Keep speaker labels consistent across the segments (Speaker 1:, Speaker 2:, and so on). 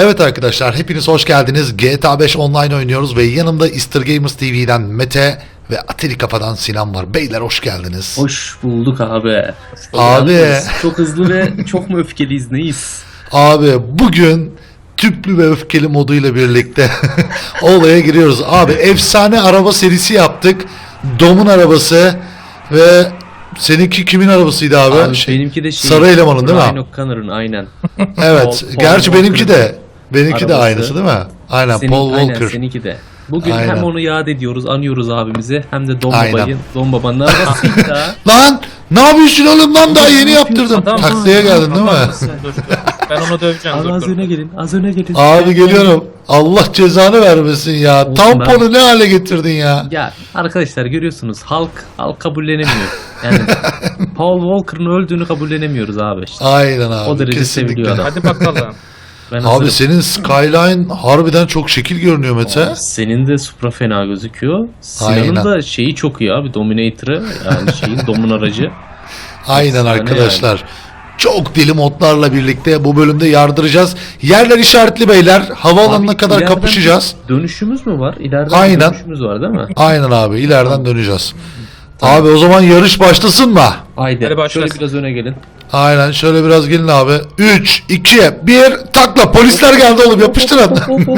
Speaker 1: Evet arkadaşlar, hepiniz hoş geldiniz. GTA 5 online oynuyoruz ve yanımda Easter Gamers TV'den Mete ve Ateli Kafa'dan Sinan var. Beyler hoş geldiniz.
Speaker 2: Hoş bulduk abi.
Speaker 1: Abi.
Speaker 2: Yalnız çok hızlı ve çok mu öfkeliyiz neyiz?
Speaker 1: Abi bugün tüplü ve öfkeli moduyla birlikte olaya giriyoruz. Abi efsane araba serisi yaptık. Dom'un arabası ve seninki kimin arabasıydı abi?
Speaker 2: Abi benimki de
Speaker 1: Sarı elemanın değil mi?
Speaker 2: Ryan O'Connor'ın aynen.
Speaker 1: Evet. Gerçi
Speaker 2: Paul
Speaker 1: benimki de. Benimki de
Speaker 2: arabası.
Speaker 1: aynısı değil mi? Aynen, Paul Walker.
Speaker 2: Aynen seninki de. Bugün
Speaker 1: Aynen.
Speaker 2: hem onu yad ediyoruz, anıyoruz abimizi hem de Dom
Speaker 1: Aynen.
Speaker 2: Baba'yı, Dom Baba'nın arabasıydı da.
Speaker 1: Lan ne yapıyorsun oğlum lan, daha yeni yaptırdım.
Speaker 3: Adam-
Speaker 1: Taksiye geldin değil mi?
Speaker 3: Dur. Ben onu döveceğim.
Speaker 2: Abi
Speaker 3: Dur,
Speaker 2: az
Speaker 3: dur.
Speaker 2: öne gelin, az öne gelin.
Speaker 1: Abi geliyorum. Allah cezanı vermesin ya.
Speaker 2: Olsun
Speaker 1: Tamponu ne hale getirdin ya?
Speaker 2: Ya arkadaşlar görüyorsunuz halk kabullenemiyor. Yani Paul Walker'ın öldüğünü kabullenemiyoruz abi işte.
Speaker 1: Aynen abi.
Speaker 2: O derece
Speaker 1: kesinlikle.
Speaker 2: seviliyor adam.
Speaker 3: Hadi bakalım.
Speaker 2: Ben
Speaker 1: Abi
Speaker 2: hazırım.
Speaker 1: senin Skyline harbiden çok şekil görünüyor Mete.
Speaker 2: Senin de Supra fena gözüküyor.
Speaker 1: Aynen.
Speaker 2: Sinan'ın da şeyi çok iyi abi. Dominator'ı yani şeyin Dom'un aracı.
Speaker 1: Aynen
Speaker 2: efsane
Speaker 1: arkadaşlar. Çok deli modlarla birlikte bu bölümde yardıracağız. Yerler işaretli beyler. Havaalanına
Speaker 2: Abi,
Speaker 1: kadar
Speaker 2: ileriden
Speaker 1: kapışacağız.
Speaker 2: Dönüşümüz mü var? İleriden
Speaker 1: Aynen.
Speaker 2: dönüşümüz var değil mi?
Speaker 1: Aynen abi, ileriden döneceğiz. Abi o zaman yarış başlasın mı?
Speaker 2: Haydi.
Speaker 3: Hadi başlasın.
Speaker 2: Şöyle biraz öne gelin.
Speaker 1: Aynen, şöyle biraz gelin abi. 3, 2, 1 takla. Polisler geldi oğlum, yapıştırın.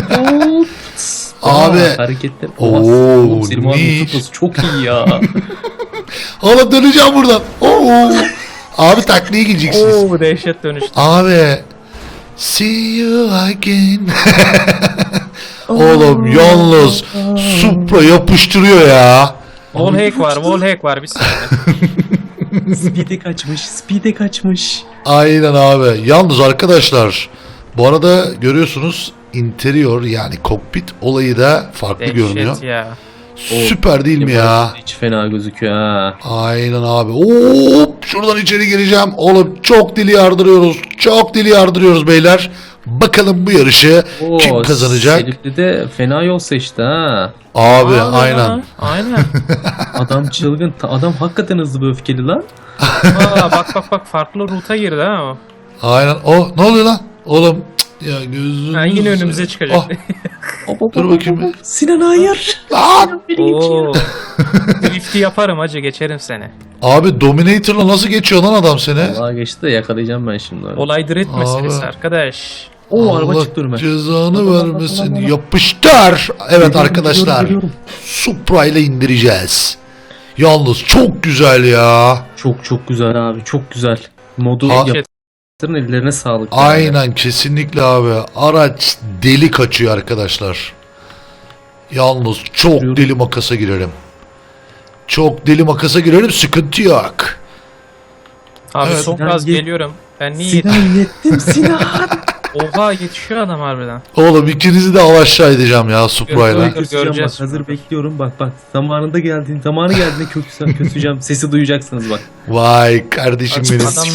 Speaker 1: Abi.
Speaker 2: Hareketler.
Speaker 1: Oo,
Speaker 2: Selim abi
Speaker 1: niş.
Speaker 2: tutması çok iyi ya.
Speaker 1: Oğlum döneceğim buradan. Oo. Abi taklaya gideceksiniz.
Speaker 3: Oo dehşet dönüştü.
Speaker 1: Abi. See you again. Oğlum yalnız Supra yapıştırıyor ya.
Speaker 3: Wallhack var bir saniye.
Speaker 2: Speed'e kaçmış.
Speaker 1: Aynen abi. Yalnız arkadaşlar, bu arada görüyorsunuz interior yani kokpit olayı da farklı görünüyor.
Speaker 3: Dehşet ya.
Speaker 1: Süper değil mi ya?
Speaker 2: Hiç fena gözüküyor ha.
Speaker 1: Aynen abi. Hop, şuradan içeri gireceğim. Oğlum çok dili yardırıyoruz. Çok dili yardırıyoruz beyler. Bakalım bu yarışı kim kazanacak?
Speaker 2: Selipli de fena yol seçti ha.
Speaker 1: Abi
Speaker 3: Aa,
Speaker 1: aynen.
Speaker 3: Aynen.
Speaker 2: Adam çılgın. Adam hakikaten hızlı ve öfkeli lan.
Speaker 3: Aa, bak farklı ruta girdi ha o.
Speaker 1: Aynen. O ne oluyor lan? Oğlum cık, ya gözünüz.
Speaker 3: Ha, yine önümüze çıkacak.
Speaker 1: Dur bakayım.
Speaker 2: Sinan hayır.
Speaker 1: Lan!
Speaker 3: Oo. Drift'i yaparım hacı, geçerim seni.
Speaker 1: Abi Dominator'la nasıl geçiyor lan adam seni?
Speaker 2: Vallahi geçti de yakalayacağım ben şimdi.
Speaker 3: Olay drift
Speaker 1: Abi.
Speaker 3: meselesi arkadaş.
Speaker 2: Oo araba
Speaker 1: Allah
Speaker 2: çıktı önüme.
Speaker 1: cezanı vermesin. Yapıştır. Evet arkadaşlar.
Speaker 2: Geliyorum.
Speaker 1: Supra ile indireceğiz. Yalnız çok güzel ya.
Speaker 2: Çok güzel abi. Çok güzel. Modu
Speaker 1: Ha-
Speaker 2: yaptırın, ellerine sağlık. yani.
Speaker 1: Aynen, kesinlikle abi. Araç deli kaçıyor arkadaşlar. Yalnız çok
Speaker 2: Yürü.
Speaker 1: deli makasa girerim. Çok deli makasa girerim, sıkıntı yok.
Speaker 3: Abi
Speaker 1: Evet.
Speaker 3: çok
Speaker 2: Sinan
Speaker 3: az
Speaker 2: ye-
Speaker 3: geliyorum. Ben niye
Speaker 2: Sinan yettim Sinan.
Speaker 3: Oha yetişiyor adam harbiden.
Speaker 1: Oğlum ikinizi de al aşağı edeceğim ya Supra'yla.
Speaker 3: Dur,
Speaker 2: Köseceğim
Speaker 3: göreceğiz
Speaker 2: bak. Hazır
Speaker 3: şimdi.
Speaker 2: bekliyorum. Bak. Zamanı geldiğinde köseceğim. Sesi duyacaksınız bak.
Speaker 1: Vay kardeşim benim.
Speaker 3: Adam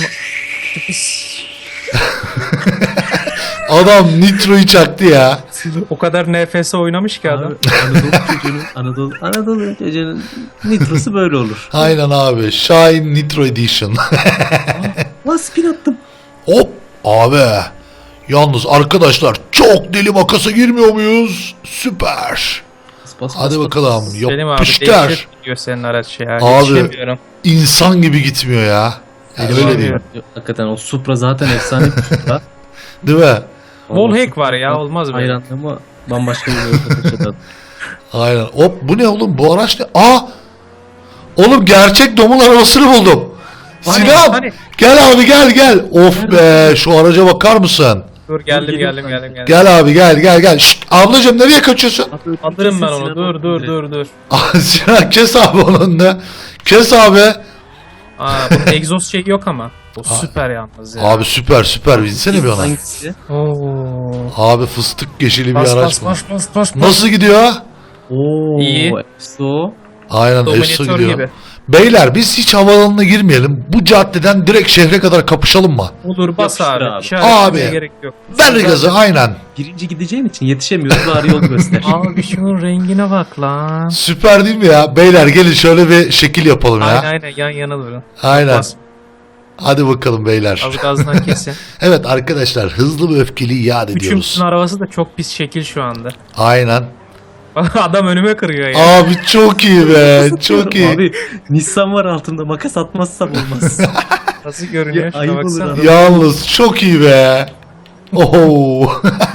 Speaker 1: Adam nitroyu çaktı ya.
Speaker 3: o kadar nefese oynamış ki adam.
Speaker 2: Abi, Anadolu çocuğunun nitrosu böyle olur.
Speaker 1: Aynen abi. Shine Nitro Edition.
Speaker 2: Lan spin attım.
Speaker 1: Hop abi. Yalnız arkadaşlar çok deli makasa girmiyor muyuz? Süper.
Speaker 2: Bas,
Speaker 1: Hadi bakalım.
Speaker 3: Selim abi
Speaker 1: Yapıştır.
Speaker 3: dehşet gidiyor senin araç ya.
Speaker 1: Abi.
Speaker 3: Yetişemiyorum.
Speaker 1: İnsan gibi gitmiyor ya. Yani
Speaker 2: Selim
Speaker 1: öyle
Speaker 2: abi,
Speaker 1: değil.
Speaker 2: Hakikaten o Supra zaten efsane bir Supra.
Speaker 1: Değil mi?
Speaker 3: Wallhack var ya, olmaz böyle.
Speaker 2: Hayran ama bambaşka bir yolda taşıdı.
Speaker 1: Aynen. Hop, bu ne oğlum? Bu araç ne? Aa! Oğlum gerçek Dom'un arabasını buldum.
Speaker 3: Hani,
Speaker 1: Sinan!
Speaker 3: hani?
Speaker 1: Gel abi gel. Of be, şu araca bakar mısın?
Speaker 3: Dur geldim.
Speaker 1: Gel abi gel. Şşt, ablacığım nereye kaçıyorsun?
Speaker 3: Alırım ben onu. Dur.
Speaker 1: Sinan kes abi onun da. Kes abi.
Speaker 3: Aa, bunun egzoz şey yok ama. O süper yalnız ya.
Speaker 1: Abi süper binsene bir ona.
Speaker 2: Hangisi?
Speaker 3: Oo.
Speaker 1: Abi fıstık yeşili bir
Speaker 3: Bas
Speaker 1: araç
Speaker 3: bas
Speaker 1: bu.
Speaker 3: bas.
Speaker 1: Nasıl gidiyor?
Speaker 2: Oo,
Speaker 3: İyi.
Speaker 2: EFSO.
Speaker 1: Aynen, efso
Speaker 3: Dominator
Speaker 1: gidiyor.
Speaker 3: gibi.
Speaker 1: Beyler biz hiç havaalanına girmeyelim. Bu caddeden direkt şehre kadar kapışalım mı?
Speaker 3: Olur bas
Speaker 2: Yapıştır
Speaker 3: abi.
Speaker 2: abi.
Speaker 3: İşaretlemeye
Speaker 1: Abi.
Speaker 3: gerek yok.
Speaker 1: Ver gazı aynen.
Speaker 2: Birinci gideceğim için yetişemiyoruz. Bari yol göster.
Speaker 3: Abi şunun rengine bak lan.
Speaker 1: Süper değil mi ya? Beyler gelin şöyle bir şekil yapalım ya.
Speaker 3: Aynen yan yana durun.
Speaker 1: Aynen.
Speaker 3: Bas.
Speaker 1: Hadi bakalım beyler.
Speaker 3: Az gazdan kesin.
Speaker 1: Evet arkadaşlar, hızlı ve öfkeli iade ediyoruz.
Speaker 3: Üçümüzün arabası da çok pis şekil şu anda.
Speaker 1: Aynen.
Speaker 3: Adam önüme kırıyor ya.
Speaker 1: Abi çok iyi be. Çok iyi.
Speaker 2: Abi Nissan var altında, makas atmazsam olmaz.
Speaker 3: Nasıl görünüyor?
Speaker 2: Ya,
Speaker 3: Şuna
Speaker 2: ayıp olur
Speaker 3: baksana.
Speaker 2: adam.
Speaker 1: Yalnız çok iyi be. Oho.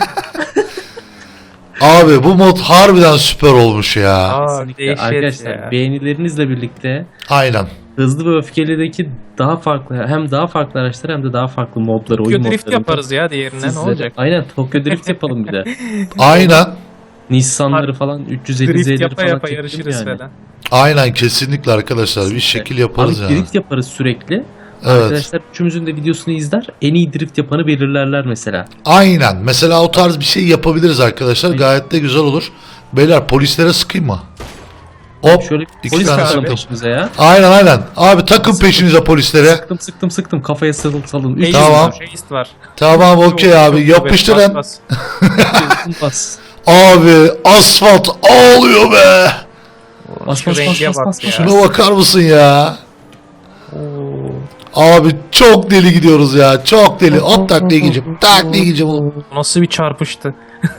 Speaker 1: Abi bu mod harbiden süper olmuş ya.
Speaker 3: Aa,
Speaker 2: Kesinlikle.
Speaker 3: dehşet
Speaker 2: Arkadaşlar
Speaker 3: ya.
Speaker 2: beğenilerinizle birlikte
Speaker 1: Aynen.
Speaker 2: Hızlı ve Öfkeli'deki daha farklı, hem daha farklı araçlar hem de daha farklı modları, oyun
Speaker 3: Tokyo Drift
Speaker 2: modlarını
Speaker 3: yaparız ya diğerine ne
Speaker 2: sizlere-
Speaker 3: olacak?
Speaker 2: Aynen, Tokyo Drift yapalım bir de.
Speaker 1: Aynen.
Speaker 2: Nissan'ları falan, 350
Speaker 3: Drift
Speaker 2: Z'leri
Speaker 3: yapa
Speaker 2: falan
Speaker 3: yapa
Speaker 2: çekelim
Speaker 3: yarışırız
Speaker 2: yani.
Speaker 3: falan.
Speaker 1: Aynen kesinlikle arkadaşlar. Bir şekil yaparız
Speaker 2: Abi
Speaker 1: yani.
Speaker 2: drift yaparız sürekli.
Speaker 1: Evet.
Speaker 2: Arkadaşlar üçümüzün de videosunu izler. En iyi drift yapanı belirlerler mesela.
Speaker 1: Aynen. Mesela o tarz bir şey yapabiliriz arkadaşlar. Gayet de güzel olur. Beyler polislere sıkayım mı? Hop.
Speaker 2: Şöyle
Speaker 1: iki
Speaker 2: polis
Speaker 1: tane
Speaker 2: takalım
Speaker 1: sıktım.
Speaker 2: peşimize ya.
Speaker 1: Aynen. Abi takın peşinize polislere.
Speaker 2: Sıktım kafaya salın. Üç
Speaker 1: Tamam.
Speaker 3: Tamam. Şeyist var.
Speaker 1: Tamam okey abi.
Speaker 3: Çok
Speaker 1: Yapıştırın.
Speaker 3: bas,
Speaker 2: bas.
Speaker 1: Abi asfalt ağlıyor be.
Speaker 2: Bas
Speaker 3: Şu
Speaker 2: bas
Speaker 3: renge
Speaker 2: bas
Speaker 3: bak
Speaker 2: bas
Speaker 3: ya.
Speaker 2: bas.
Speaker 1: Şuna bakar mısın ya?
Speaker 3: Oo.
Speaker 1: Abi çok deli gidiyoruz ya. Çok deli. Hop taklaya gideceğim. Taklaya gideceğim oğlum.
Speaker 3: Nasıl bir çarpıştı.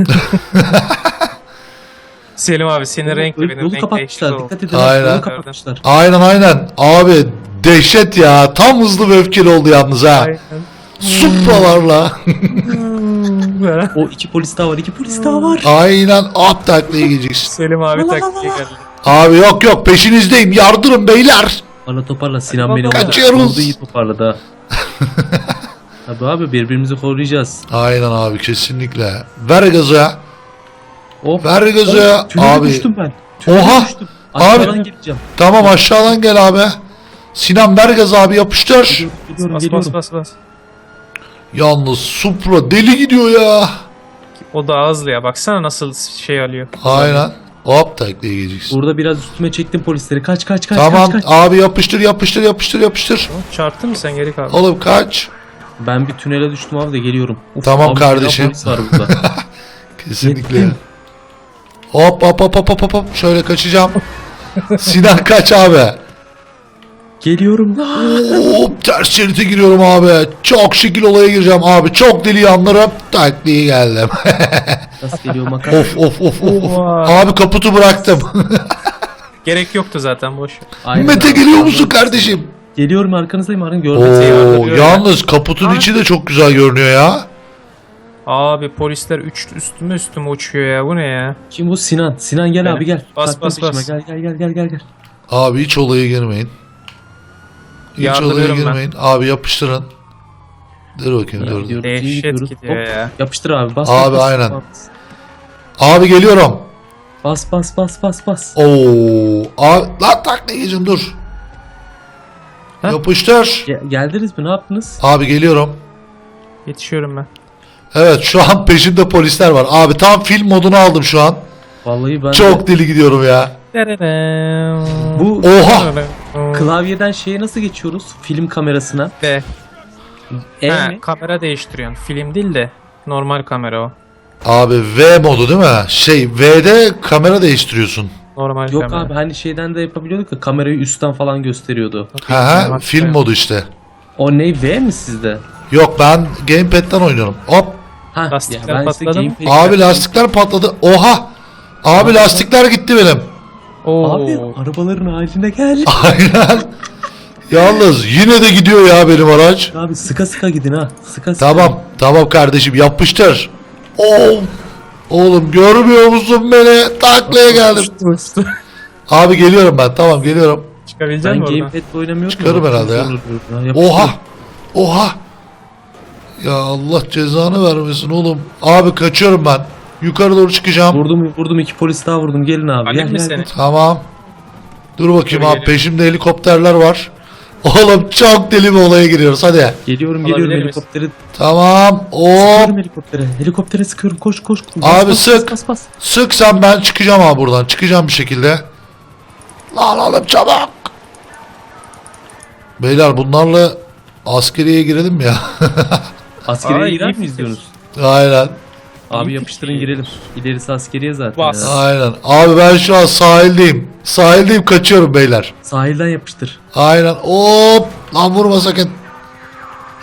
Speaker 3: Selim abi senin renkli benim
Speaker 2: Yolu
Speaker 3: renk
Speaker 2: kapatmışlar.
Speaker 3: değişti.
Speaker 2: Dikkat edin.
Speaker 1: Aynen.
Speaker 2: Yolu kapatmışlar.
Speaker 1: Aynen. Abi dehşet ya. Tam hızlı ve öfkeli oldu yalnız ha.
Speaker 3: Aynen.
Speaker 1: Supralarla.
Speaker 2: O iki polis daha var. İki polis daha var.
Speaker 1: Aynen. Hop taklaya gideceksin.
Speaker 3: Selim abi taktiğe geldi.
Speaker 1: Abi yok peşinizdeyim. Yardırın beyler.
Speaker 2: Toparla. Sinan beni
Speaker 1: Kaçıyoruz.
Speaker 2: orada iyi toparladı ha. Tabii abi birbirimizi koruyacağız.
Speaker 1: Aynen abi kesinlikle. Ver gazı.
Speaker 2: Hop.
Speaker 1: Ver gazı.
Speaker 2: Tünele
Speaker 1: Abi.
Speaker 2: düştüm ben. Tünele
Speaker 1: Oha.
Speaker 2: düştüm. Aşağıdan
Speaker 1: Abi.
Speaker 2: gireceğim.
Speaker 1: Tamam aşağıdan gel abi. Sinan ver gazı abi yapıştır.
Speaker 2: Geliyorum.
Speaker 3: Bas.
Speaker 1: Yalnız Supra deli gidiyor ya.
Speaker 3: O da hızlı ya. Baksana nasıl şey alıyor.
Speaker 1: Aynen. Hop taklaya gideceksin.
Speaker 2: Burada biraz üstüme çektim polisleri. Kaç.
Speaker 1: Tamam
Speaker 2: kaç.
Speaker 1: abi yapıştır.
Speaker 3: Çarptın mı sen geri kaldın?
Speaker 1: Oğlum kaç.
Speaker 2: Ben bir tünele düştüm abi de geliyorum. Uf,
Speaker 1: Tamam
Speaker 2: abi,
Speaker 1: kardeşim.
Speaker 2: polis var burada.
Speaker 1: Kesinlikle.
Speaker 2: Yettim.
Speaker 1: Hop. Şöyle kaçacağım. Sinan kaç abi.
Speaker 2: Geliyorum.
Speaker 1: Hop ters şerite giriyorum abi. Çok şekil olaya gireceğim abi. Çok deli yanlarım. Taklaya geldim.
Speaker 2: Nasıl geliyor makara?
Speaker 1: of.
Speaker 3: Oha.
Speaker 1: Abi kaputu bıraktım.
Speaker 3: Gerek yoktu zaten boş. ver.
Speaker 2: Aynen
Speaker 1: Mete
Speaker 2: abi.
Speaker 1: geliyor musun kardeşim?
Speaker 2: Geliyorum arkanızdayım Arın
Speaker 1: Oo,
Speaker 2: görmek.
Speaker 1: yalnız kaputun içi de çok güzel görünüyor ya.
Speaker 3: Abi polisler üstüme uçuyor ya. Bu ne ya?
Speaker 2: Kim bu? Sinan. Sinan gel
Speaker 3: Benim.
Speaker 2: abi gel.
Speaker 3: Bas,
Speaker 2: Taktım
Speaker 3: bas, bas.
Speaker 2: peşime. Gel.
Speaker 1: Abi hiç olaya girmeyin. Hiç olaya
Speaker 3: Yardırıyorum ben.
Speaker 1: girmeyin. Abi yapıştırın. Dur bakayım dur.
Speaker 2: Gidiyoruz, iyi
Speaker 3: Dehşet
Speaker 2: gidiyoruz.
Speaker 3: gidiyor
Speaker 2: Hop,
Speaker 3: ya.
Speaker 2: Yapıştır abi bas.
Speaker 1: Abi,
Speaker 2: bas,
Speaker 1: aynen.
Speaker 2: Bas
Speaker 1: Abi geliyorum.
Speaker 2: bas.
Speaker 1: Oo. Abi lan taklaya gireceğim dur.
Speaker 3: Ha?
Speaker 1: Yapıştır.
Speaker 2: Geldiniz mi? Ne yaptınız?
Speaker 1: Abi geliyorum.
Speaker 3: Yetişiyorum ben.
Speaker 1: Evet şu an peşimde polisler var. Abi tam film modunu aldım şu an.
Speaker 2: Vallahi ben de
Speaker 1: Çok deli gidiyorum ya.
Speaker 2: bu
Speaker 1: Oha.
Speaker 2: klavyeden şeye nasıl geçiyoruz? Film kamerasına.
Speaker 3: De.
Speaker 2: E
Speaker 3: Ha,
Speaker 2: mi?
Speaker 3: kamera değiştiriyorsun. Film değil de normal kamera o.
Speaker 1: Abi V modu değil mi? V'de kamera değiştiriyorsun.
Speaker 3: Normal
Speaker 2: Yok
Speaker 3: kamera.
Speaker 2: abi hani şeyden de yapabiliyorduk ya, kamerayı üstten falan gösteriyordu.
Speaker 1: Ha film modu işte.
Speaker 2: O ne, V mi sizde?
Speaker 1: Yok ben gamepad'den oynuyorum. Hop.
Speaker 2: Ha,
Speaker 3: Lastikler
Speaker 2: ben işte
Speaker 3: patladı mı?
Speaker 2: gamepad-
Speaker 1: Abi lastikler patladı. Oha. Abi lastikler gitti benim.
Speaker 3: Oo.
Speaker 2: Abi arabaların haline gel.
Speaker 1: Aynen. Yalnız yine de gidiyor ya benim araç.
Speaker 2: Abi sıka gidin ha. Sıka.
Speaker 1: Tamam kardeşim yapıştır. Oo. Oğlum görmüyor musun beni? Taklaya geldim. Abi geliyorum ben. Tamam geliyorum.
Speaker 3: Çıkabilecek
Speaker 2: Ben
Speaker 3: misin oradan?
Speaker 2: gamepad'le oynamıyorum.
Speaker 1: Çıkarım
Speaker 2: ya.
Speaker 1: herhalde ya.
Speaker 2: Yapıştır.
Speaker 1: Oha. Ya Allah cezanı vermesin oğlum. Abi kaçıyorum ben. Yukarı doğru çıkacağım.
Speaker 2: Vurdum, iki polis daha vurdum. Gelin abi.
Speaker 3: Alayım mı
Speaker 2: Gel.
Speaker 3: seni?
Speaker 1: Tamam. Dur bakayım
Speaker 3: Dur,
Speaker 1: abi
Speaker 3: geliyorum.
Speaker 1: peşimde helikopterler var. Oğlum çok deli bir olaya giriyoruz hadi.
Speaker 2: Geliyorum
Speaker 3: Alabilir miyiz?
Speaker 2: helikopteri.
Speaker 1: Tamam.
Speaker 2: Sıkıyorum helikoptere. Helikoptere sıkıyorum. Koş.
Speaker 1: Abi sık.
Speaker 2: Bas.
Speaker 1: Sık sen ben çıkacağım abi buradan. Çıkacağım bir şekilde. Lan oğlum çabuk. Beyler bunlarla askeriye girelim mi ya?
Speaker 2: Askeriye
Speaker 3: Ay,
Speaker 2: girer
Speaker 3: iyi
Speaker 2: miyiz
Speaker 3: fikir.
Speaker 2: diyorsunuz?
Speaker 1: Aynen.
Speaker 2: Abi
Speaker 3: İyi
Speaker 2: yapıştırın
Speaker 3: fikir.
Speaker 2: girelim. İlerisi askeriye zaten.
Speaker 3: Bas.
Speaker 2: ya.
Speaker 1: Aynen. Abi ben şu an sahildeyim. Sahildeyim kaçıyorum beyler.
Speaker 2: Sahilden yapıştır.
Speaker 1: Aynen. Hop. Lan vurma sakın.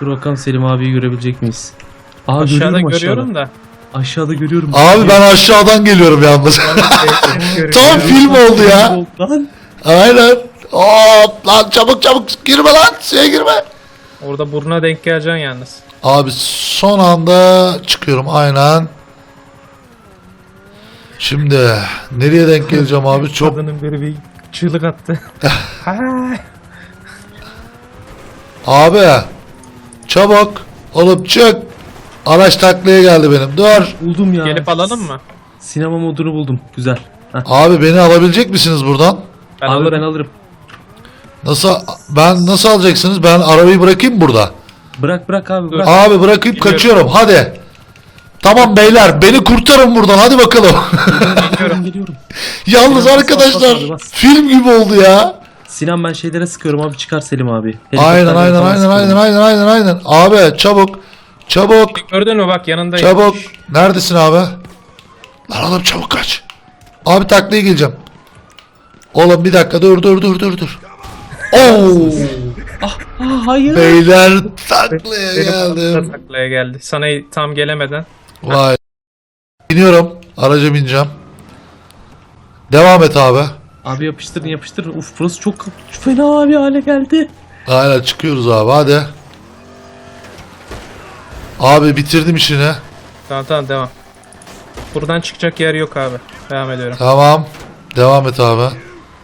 Speaker 2: Dur bakalım Selim abiyi görebilecek miyiz? Aa,
Speaker 3: Aşağıda
Speaker 2: görüyorum
Speaker 3: görüyorum da.
Speaker 2: Aşağıda görüyorum.
Speaker 1: Abi ben aşağıdan geliyorum yalnız. Tam film oldu ya.
Speaker 2: Lan.
Speaker 1: Aynen. Hop lan çabuk çabuk girme lan. Suya girme.
Speaker 3: Orada burnuna denk geleceksin yalnız.
Speaker 1: Abi son anda çıkıyorum aynen. Şimdi nereye denk geleceğim abi? Çok
Speaker 3: Kadının biri bir çığlık attı.
Speaker 1: abi çabuk olup çık. Araç taklaya geldi benim. Dur.
Speaker 2: Buldum ya.
Speaker 3: Gelip alalım mı?
Speaker 2: Sinema modunu buldum. Güzel. Heh.
Speaker 1: Abi beni alabilecek misiniz buradan?
Speaker 3: Ben
Speaker 2: Abi
Speaker 3: alırım.
Speaker 2: ben alırım.
Speaker 1: Nasıl alacaksınız? Ben arabayı bırakayım burada.
Speaker 2: Bırak abi
Speaker 3: Dur.
Speaker 2: bırak.
Speaker 1: Abi bırakıp
Speaker 3: Geliyorum.
Speaker 1: kaçıyorum. Hadi. Tamam beyler beni kurtarın buradan. Hadi bakalım.
Speaker 2: Geliyorum.
Speaker 1: Yalnız
Speaker 2: Bas,
Speaker 1: arkadaşlar
Speaker 2: bas abi, bas.
Speaker 1: film gibi oldu ya.
Speaker 2: Sinan ben şeylere sıkıyorum abi, çıkar Selim abi.
Speaker 1: Aynen
Speaker 2: Helikopterlere
Speaker 1: aynen
Speaker 2: falan
Speaker 1: aynen
Speaker 2: sıkıyorum.
Speaker 1: aynen. Abi çabuk. Çabuk.
Speaker 3: Gördün mü bak yanındayım.
Speaker 1: Çabuk. Neredesin abi? Lan oğlum çabuk kaç. Abi taklaya geleceğim. Oğlum bir dakika dur. Oo.
Speaker 2: Hayır.
Speaker 1: Beyler taklaya
Speaker 3: Benim
Speaker 1: geldim.
Speaker 3: taklaya geldi. Sana tam gelemeden.
Speaker 1: Vay. İniyorum. Araca bineceğim. Devam et abi.
Speaker 2: Abi yapıştırın. Uf burası çok fena bir hale geldi.
Speaker 1: Aynen çıkıyoruz abi hadi. Abi bitirdim işini.
Speaker 3: Tamam devam. Buradan çıkacak yer yok abi. Devam ediyorum.
Speaker 1: Tamam. Devam et abi.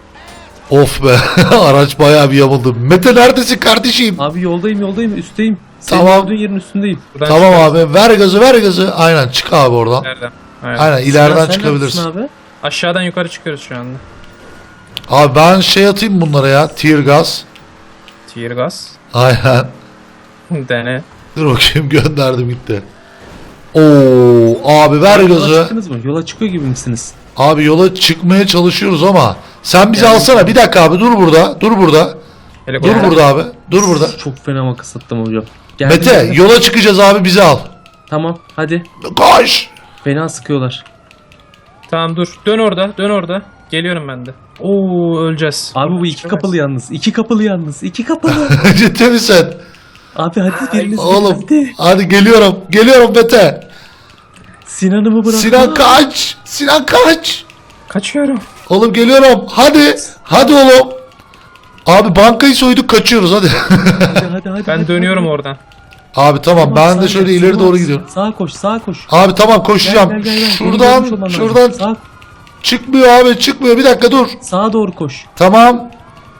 Speaker 1: Of be. Araç bayağı bir yamuldu. Mete neredesin kardeşim?
Speaker 2: Abi yoldayım üstteyim. Senin
Speaker 1: Tamam.
Speaker 2: gördüğün yerin üstündeyim.
Speaker 3: Buradan
Speaker 1: Tamam
Speaker 3: çıkacağız.
Speaker 1: abi. Ver gazı. Aynen çık abi oradan.
Speaker 3: Nereden? Aynen.
Speaker 1: Aynen
Speaker 2: Sinan,
Speaker 1: ileriden
Speaker 2: sen
Speaker 1: çıkabilirsin.
Speaker 2: neredesin abi?
Speaker 3: Aşağıdan yukarı çıkıyoruz şu anda.
Speaker 1: Abi ben şey atayım bunlara ya. Tear gas.
Speaker 3: Tear gas.
Speaker 1: Aynen.
Speaker 3: Dene.
Speaker 1: Dur bakayım gönderdim gitti. Oo abi ver
Speaker 2: Yola
Speaker 1: gazı.
Speaker 2: çıktınız mı? Yola çıkıyor gibi misiniz?
Speaker 1: Abi yola çıkmaya çalışıyoruz ama sen bizi
Speaker 2: Yani-
Speaker 1: alsana. Bir dakika abi dur burada. Dur
Speaker 3: Helikopter.
Speaker 1: burada abi. Dur burada.
Speaker 2: Çok fena makas attım hocam. Geldim,
Speaker 1: Mete
Speaker 2: geldim.
Speaker 1: yola çıkacağız abi bizi al.
Speaker 2: Tamam hadi.
Speaker 1: Koş.
Speaker 2: Fena sıkıyorlar.
Speaker 3: Tamam dur. Dön orada. Geliyorum ben de. Oo öleceğiz.
Speaker 2: Abi bu iki kapılı yalnız. İki kapılı.
Speaker 1: Ciddi misin?
Speaker 2: Abi hadi biriniz
Speaker 1: Oğlum
Speaker 2: hadi.
Speaker 1: hadi geliyorum. Geliyorum Mete.
Speaker 2: Sinan'ımı bırak.
Speaker 1: Sinan kaç. Sinan kaç.
Speaker 3: Kaçıyorum.
Speaker 1: Oğlum geliyorum. Hadi oğlum. Abi bankayı soyduk kaçıyoruz hadi.
Speaker 2: Hadi.
Speaker 3: Ben dönüyorum oradan.
Speaker 1: Abi tamam ben de şöyle ileri doğru gidiyorum.
Speaker 2: Sağa koş.
Speaker 1: Abi tamam koşacağım.
Speaker 2: Gel. Beni görmüş
Speaker 1: Şuradan
Speaker 2: olman lazım.
Speaker 1: çıkmıyor abi çıkmıyor. Bir dakika dur.
Speaker 2: Sağa doğru koş.
Speaker 1: Tamam.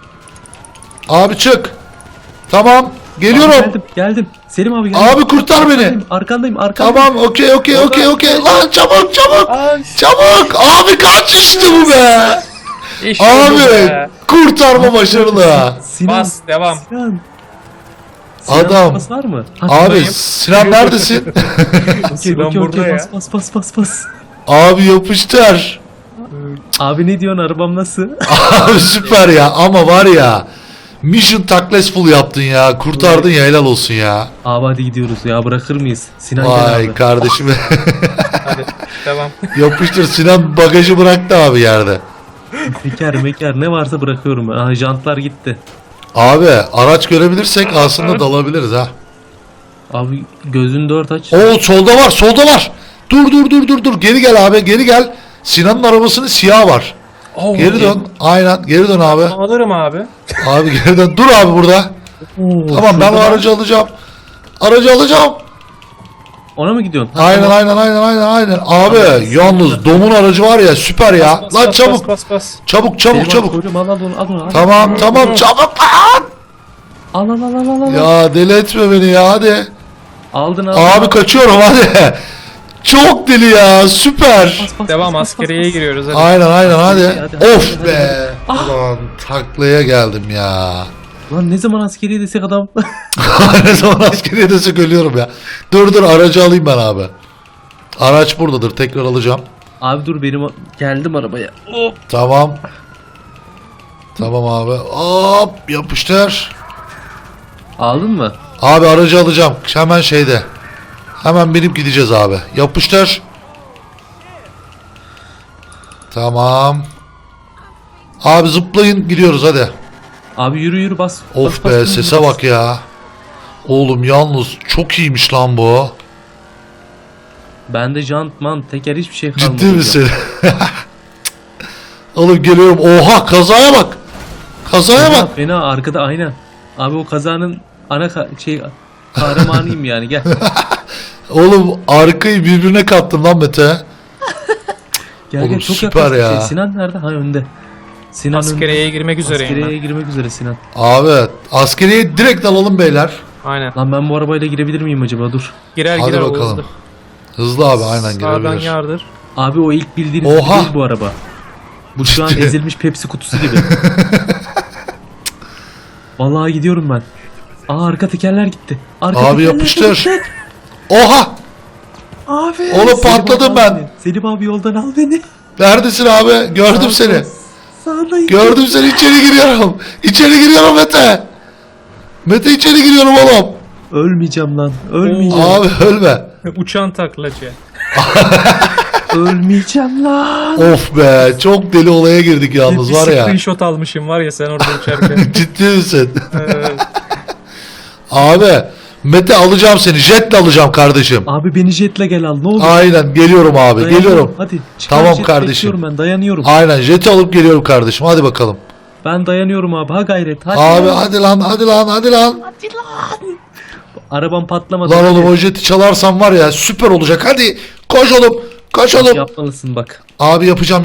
Speaker 1: Abi çık. Tamam. Geliyorum.
Speaker 2: Abi geldim. Selim abi geldim.
Speaker 1: Abi kurtar beni.
Speaker 2: Arkandayım.
Speaker 1: Tamam okey. Lan çabuk. Çabuk. Abi kaç işte bu be.
Speaker 3: İşte bu
Speaker 1: Abi
Speaker 3: be.
Speaker 1: kurtarma başarılı.
Speaker 2: Sinan.
Speaker 3: Bas devam.
Speaker 2: Sinan
Speaker 1: Adam.
Speaker 2: kafası var mı?
Speaker 1: Abi Sinan neredesin?
Speaker 3: Sinan burada ya.
Speaker 2: Bas.
Speaker 1: Abi yapıştır.
Speaker 2: Abi ne diyorsun, arabam nasıl?
Speaker 1: Abi süper ya ama var ya. Mission successful yaptın ya. Kurtardın ya helal olsun ya.
Speaker 2: Abi hadi gidiyoruz ya, bırakır mıyız? Sinan gel
Speaker 1: Vay
Speaker 2: abi.
Speaker 1: kardeşim.
Speaker 3: Hadi devam.
Speaker 1: Yapıştır Sinan bagajı bıraktı abi yerde.
Speaker 2: Meker ne varsa bırakıyorum. Aha, jantlar gitti.
Speaker 1: Abi araç görebilirsek aslında dalabiliriz ha.
Speaker 2: Abi gözünü dört aç.
Speaker 1: Oo solda var. Dur. Geri gel abi geri gel. Sinan'ın arabasının siyahı var. Geri dön. Aynen geri dön abi.
Speaker 3: Alırım abi.
Speaker 1: Abi geri dön. Dur abi burada.
Speaker 2: Oo,
Speaker 1: Tamam ben o
Speaker 2: şurada
Speaker 1: aracı alacağım. Aracı alacağım.
Speaker 2: Ona mı gidiyorsun? Ha,
Speaker 1: Aynen
Speaker 2: tamam.
Speaker 1: aynen. Abi yalnız Dom'un aracı var ya süper ya.
Speaker 3: Bas,
Speaker 1: Lan
Speaker 3: bas,
Speaker 1: çabuk.
Speaker 3: Bas.
Speaker 2: Selim
Speaker 1: Çabuk.
Speaker 2: abi, koyacağım, al onu.
Speaker 1: Tamam çabuk lan.
Speaker 2: Al.
Speaker 1: Ya deli etme beni ya hadi.
Speaker 2: Aldın.
Speaker 1: Abi kaçıyorum hadi. Çok deli ya süper.
Speaker 3: Devam askeriyeye giriyoruz hadi.
Speaker 1: Aynen hadi.
Speaker 2: Hadi,
Speaker 1: Of
Speaker 2: hadi,
Speaker 1: be. Ulan taklaya geldim ya.
Speaker 2: Lan ne zaman askeriye desek adam.
Speaker 1: Ne zaman askeriye desek ölüyorum ya. Dur aracı alayım ben abi. Araç buradadır tekrar alacağım.
Speaker 2: Abi dur, geldim arabaya. Hop.
Speaker 1: Tamam. Tamam abi. Hop yapıştır.
Speaker 2: Aldın mı?
Speaker 1: Abi aracı alacağım. Hemen şeyde. Hemen binip gideceğiz abi. Yapıştır. Tamam. Abi zıplayın gidiyoruz hadi.
Speaker 2: Abi yürü bas.
Speaker 1: Of
Speaker 2: Bas,
Speaker 1: be
Speaker 2: bas,
Speaker 1: sese
Speaker 2: bas.
Speaker 1: bak ya. Oğlum yalnız çok iyiymiş lan bu.
Speaker 2: Bende jantman, teker hiçbir şey kalmadı.
Speaker 1: Ciddi misin? Oğlum geliyorum. Oha kazaya bak. Kazaya bak.
Speaker 2: Fena arkada aynen. Abi o kazanın kahramanıyım yani gel.
Speaker 1: Oğlum arkayı birbirine kattım lan Mete.
Speaker 2: Gel
Speaker 1: Oğlum
Speaker 2: gel çok
Speaker 1: süper
Speaker 2: yaklaştık.
Speaker 1: ya.
Speaker 2: Sinan nerede? Ha önde. Sinan
Speaker 3: Askeriyeye girmek üzereyim
Speaker 2: Askeriyeye girmek üzere Sinan.
Speaker 1: Abi askeriye direkt alalım beyler.
Speaker 3: ben. Aynen.
Speaker 2: Lan ben bu arabayla girebilir miyim acaba? Dur.
Speaker 3: Girer
Speaker 1: Hadi
Speaker 3: girer o
Speaker 1: bakalım.
Speaker 3: hızlı.
Speaker 1: Hızlı abi aynen
Speaker 3: Sağdan
Speaker 1: girebilir.
Speaker 3: yardır.
Speaker 2: Abi o ilk bildiğiniz gibi
Speaker 1: Oha!
Speaker 2: değil bu araba. Bu şu an
Speaker 1: Ciddi.
Speaker 2: ezilmiş Pepsi kutusu gibi. Vallahi gidiyorum ben. Aa arka tekerler gitti. Arka
Speaker 1: Abi
Speaker 2: tekerler
Speaker 1: yapıştır.
Speaker 2: gitti.
Speaker 1: Oha!
Speaker 2: Abi.
Speaker 1: Oğlum
Speaker 2: Selim
Speaker 1: patladım
Speaker 2: abi
Speaker 1: ben.
Speaker 2: al beni. Selim abi yoldan al beni.
Speaker 1: Neredesin abi? Gördüm seni.
Speaker 2: Sağdayım.
Speaker 1: Gördüm seni, içeri giriyorum. İçeri giriyorum Mete. Mete içeri giriyorum oğlum.
Speaker 2: Ölmeyeceğim lan. Ölmeyeceğim.
Speaker 1: Abi ölme.
Speaker 3: Uçan taklacı.
Speaker 2: Ölmeyeceğim lan.
Speaker 1: Of be çok deli olaya girdik yalnız
Speaker 3: Bir
Speaker 1: var ya.
Speaker 3: screenshot almışım var ya sen orada uçarken.
Speaker 1: Ciddi misin?
Speaker 3: Evet.
Speaker 1: Abi Mete alacağım seni. Jetle alacağım kardeşim.
Speaker 2: Abi beni jetle gel al ne olur.
Speaker 1: Aynen geliyorum abi.
Speaker 2: Dayanıyorum.
Speaker 1: Geliyorum.
Speaker 2: Hadi. çıkar
Speaker 1: Tamam
Speaker 2: jet,
Speaker 1: kardeşim.
Speaker 2: bekliyorum ben dayanıyorum.
Speaker 1: Aynen jeti alıp geliyorum kardeşim. Hadi bakalım.
Speaker 2: Ben dayanıyorum abi. Ha gayret. Hadi
Speaker 1: Abi
Speaker 2: lan.
Speaker 1: hadi lan hadi lan hadi lan.
Speaker 2: Arabam patlamadı.
Speaker 1: Lan oğlum
Speaker 2: Hadi.
Speaker 1: o jeti çalarsam var ya süper olacak. Hadi koş oğlum. Koş oğlum.
Speaker 2: Yapmalısın bak.
Speaker 1: Abi yapacağım.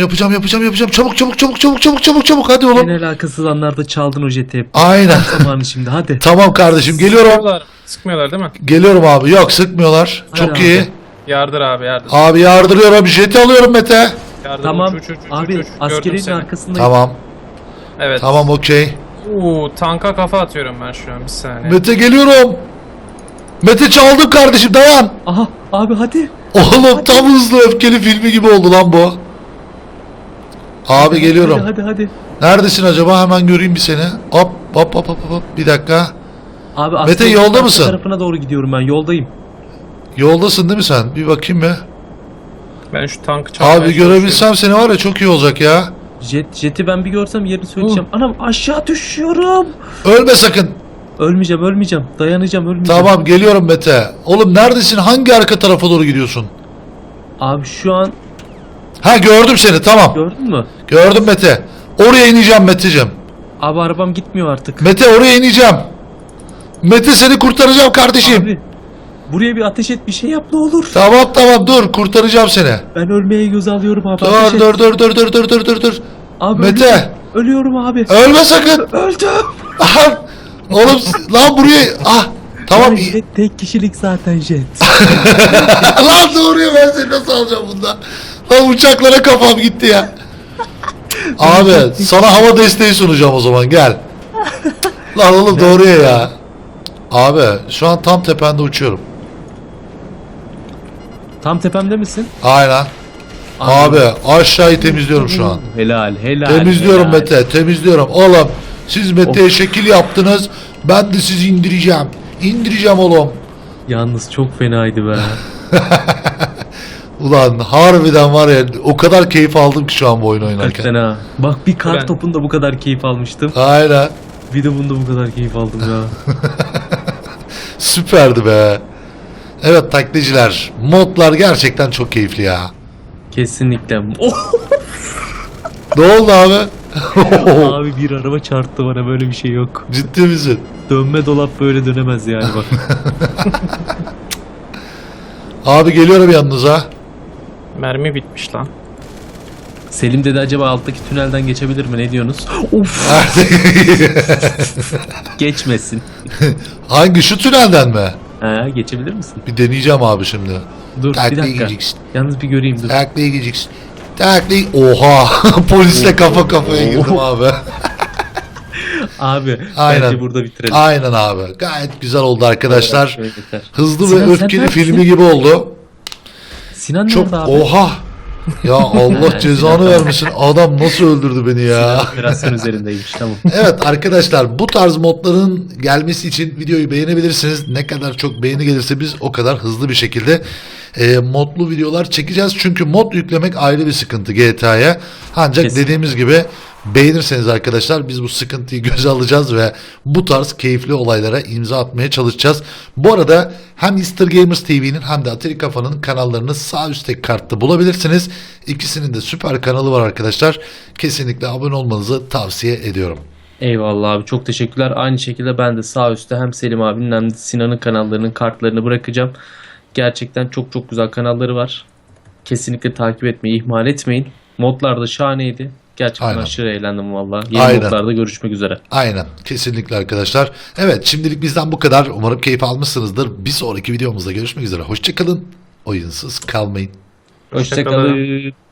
Speaker 1: Çabuk hadi oğlum.
Speaker 2: En alakasız anlarda çaldın o jeti hep.
Speaker 1: Aynen.
Speaker 2: Zamanı şimdi hadi.
Speaker 1: Tamam kardeşim geliyorum.
Speaker 3: Sıkmıyorlar değil mi?
Speaker 1: Geliyorum abi. Yok sıkmıyorlar.
Speaker 2: Hadi
Speaker 1: Çok
Speaker 2: abi.
Speaker 1: iyi.
Speaker 3: Yardır abi yardır.
Speaker 1: Abi yardırıyorum. Jeti alıyorum Mete.
Speaker 3: Yardır.
Speaker 2: Tamam.
Speaker 3: Uç,
Speaker 2: Abi
Speaker 3: Gördüm
Speaker 2: askerinin
Speaker 3: seni.
Speaker 2: arkasındayım.
Speaker 1: Tamam.
Speaker 3: Evet.
Speaker 1: Tamam okey.
Speaker 3: Tanka kafa atıyorum ben şu an bir saniye.
Speaker 1: Mete geliyorum. Mete çaldım kardeşim dayan.
Speaker 2: Aha abi hadi.
Speaker 1: Oğlum tam hızlı öfkeli filmi gibi oldu lan bu. Abi geliyorum.
Speaker 2: Hadi.
Speaker 1: Neredesin acaba? Hemen göreyim bir seni. Hop. Bir dakika.
Speaker 2: Abi
Speaker 1: Mete,
Speaker 2: askerinin
Speaker 1: yolda
Speaker 2: arka
Speaker 1: mısın?
Speaker 2: tarafına doğru gidiyorum ben yoldayım.
Speaker 1: Yoldasın değil mi sen? Bir bakayım mı?
Speaker 3: Ben şu tankı çalmaya
Speaker 1: Abi
Speaker 3: çalışıyorum.
Speaker 1: görebilsem seni var ya çok iyi olacak ya.
Speaker 2: Jeti ben bir görsem yerini söyleyeceğim. Anam aşağı düşüyorum.
Speaker 1: Ölme sakın.
Speaker 2: Ölmeyeceğim. Dayanacağım ölmeyeceğim.
Speaker 1: Tamam geliyorum Mete. Oğlum neredesin? Hangi arka tarafa doğru gidiyorsun?
Speaker 2: Abi şu an
Speaker 1: Ha gördüm seni tamam.
Speaker 2: gördün mü?
Speaker 1: Gördüm Mete. Oraya ineceğim Meteciğim.
Speaker 2: Abi arabam gitmiyor artık.
Speaker 1: Mete oraya ineceğim. Mete seni kurtaracağım kardeşim.
Speaker 2: Abi buraya bir ateş et bir şey yap ne olur.
Speaker 1: Tamam dur kurtaracağım seni.
Speaker 2: Ben ölmeye göz alıyorum abi. ateş et.
Speaker 1: Dur.
Speaker 2: Abi
Speaker 1: Mete.
Speaker 2: ölüyorum abi.
Speaker 1: Ölme sakın.
Speaker 2: Öldüm.
Speaker 1: Aha. Oğlum lan buraya. Ah. Tamam.
Speaker 2: Ya jet tek kişilik zaten jet.
Speaker 1: Lan doğruya ben seni nasıl alacağım bundan? Lan uçaklara kafam gitti ya. Abi sana hava desteği sunacağım o zaman gel. Lan oğlum doğruya ya. Abi şu an tam tepende uçuyorum.
Speaker 2: Tam tepemde misin?
Speaker 1: Aynen. Abi aşağıyı temizliyorum şu an.
Speaker 2: Helal.
Speaker 1: Temizliyorum
Speaker 2: helal.
Speaker 1: Mete temizliyorum. Oğlum siz Mete'ye şekil yaptınız. Ben de sizi indireceğim. İndireceğim oğlum.
Speaker 2: Yalnız çok fenaydı be.
Speaker 1: Ulan harbiden var ya o kadar keyif aldım ki şu an bu oyunu oynarken.
Speaker 2: Hakikaten ha. Bak bir kar
Speaker 3: Ben-
Speaker 2: topunda bu kadar keyif almıştım.
Speaker 1: Aynen.
Speaker 2: Bir de bunda bu kadar keyif aldım ya.
Speaker 1: Süperdi be. Evet taklitçiler. Modlar gerçekten çok keyifli ya.
Speaker 2: Kesinlikle. Oh!
Speaker 1: Ne oldu abi?
Speaker 2: Abi bir araba çarptı bana böyle bir şey yok.
Speaker 1: Ciddi misin?
Speaker 2: Dönme dolap böyle dönemez yani bak.
Speaker 1: Abi geliyorum yanınıza.
Speaker 3: Mermi bitmiş lan.
Speaker 2: Selim dedi acaba alttaki tünelden geçebilir mi ne diyorsunuz? Of geçmesin.
Speaker 1: Hangi şu tünelden mi?
Speaker 2: Ha geçebilir misin?
Speaker 1: Bir deneyeceğim abi şimdi.
Speaker 2: Dur bir
Speaker 1: Taklaya
Speaker 2: dakika.
Speaker 1: gideceksin.
Speaker 2: Yalnız bir göreyim dur.
Speaker 1: Taklaya gideceksin. Taklaya... Oha! Polisle kafa kafaya girdim abi.
Speaker 2: Abi
Speaker 1: Aynen.
Speaker 2: bence burada bitirelim.
Speaker 1: Aynen abi. Gayet güzel oldu arkadaşlar.
Speaker 2: Şöyle yeter.
Speaker 1: Hızlı
Speaker 2: Sinan,
Speaker 1: ve
Speaker 2: sen
Speaker 1: öfkeli
Speaker 2: neredesin?
Speaker 1: filmi gibi oldu.
Speaker 2: Sinan
Speaker 1: Çok
Speaker 2: nerede abi?
Speaker 1: oha. Ya Allah cezanı vermesin. Adam nasıl öldürdü beni ya.
Speaker 2: Sinan operasyon üzerindeymiş tamam.
Speaker 1: Evet arkadaşlar bu tarz modların gelmesi için videoyu beğenebilirsiniz. Ne kadar çok beğeni gelirse biz o kadar hızlı bir şekilde modlu videolar çekeceğiz. Çünkü mod yüklemek ayrı bir sıkıntı GTA'ya. Ancak
Speaker 2: Kesin.
Speaker 1: dediğimiz gibi Beğenirseniz arkadaşlar biz bu sıkıntıyı göze alacağız ve bu tarz keyifli olaylara imza atmaya çalışacağız. Bu arada hem Easter Gamers TV'nin hem de Atari Kafa'nın kanallarını sağ üstteki kartta bulabilirsiniz. İkisinin de süper kanalı var arkadaşlar. Kesinlikle abone olmanızı tavsiye ediyorum.
Speaker 2: Eyvallah abi, çok teşekkürler. Aynı şekilde ben de sağ üstte hem Selim abinin hem de Sinan'ın kanallarının kartlarını bırakacağım. Gerçekten çok çok güzel kanalları var. Kesinlikle takip etmeyi ihmal etmeyin. Modlar da şahaneydi. Gerçekten
Speaker 1: Aynen.
Speaker 2: aşırı eğlendim valla. Yeni
Speaker 1: Aynen.
Speaker 2: modlarda görüşmek üzere.
Speaker 1: Aynen. Kesinlikle arkadaşlar. Evet, şimdilik bizden bu kadar. Umarım keyif almışsınızdır. Bir sonraki videomuzda görüşmek üzere. Hoşçakalın. Oyunsuz kalmayın.
Speaker 3: Hoşça kalın.
Speaker 2: Hoşçakalın.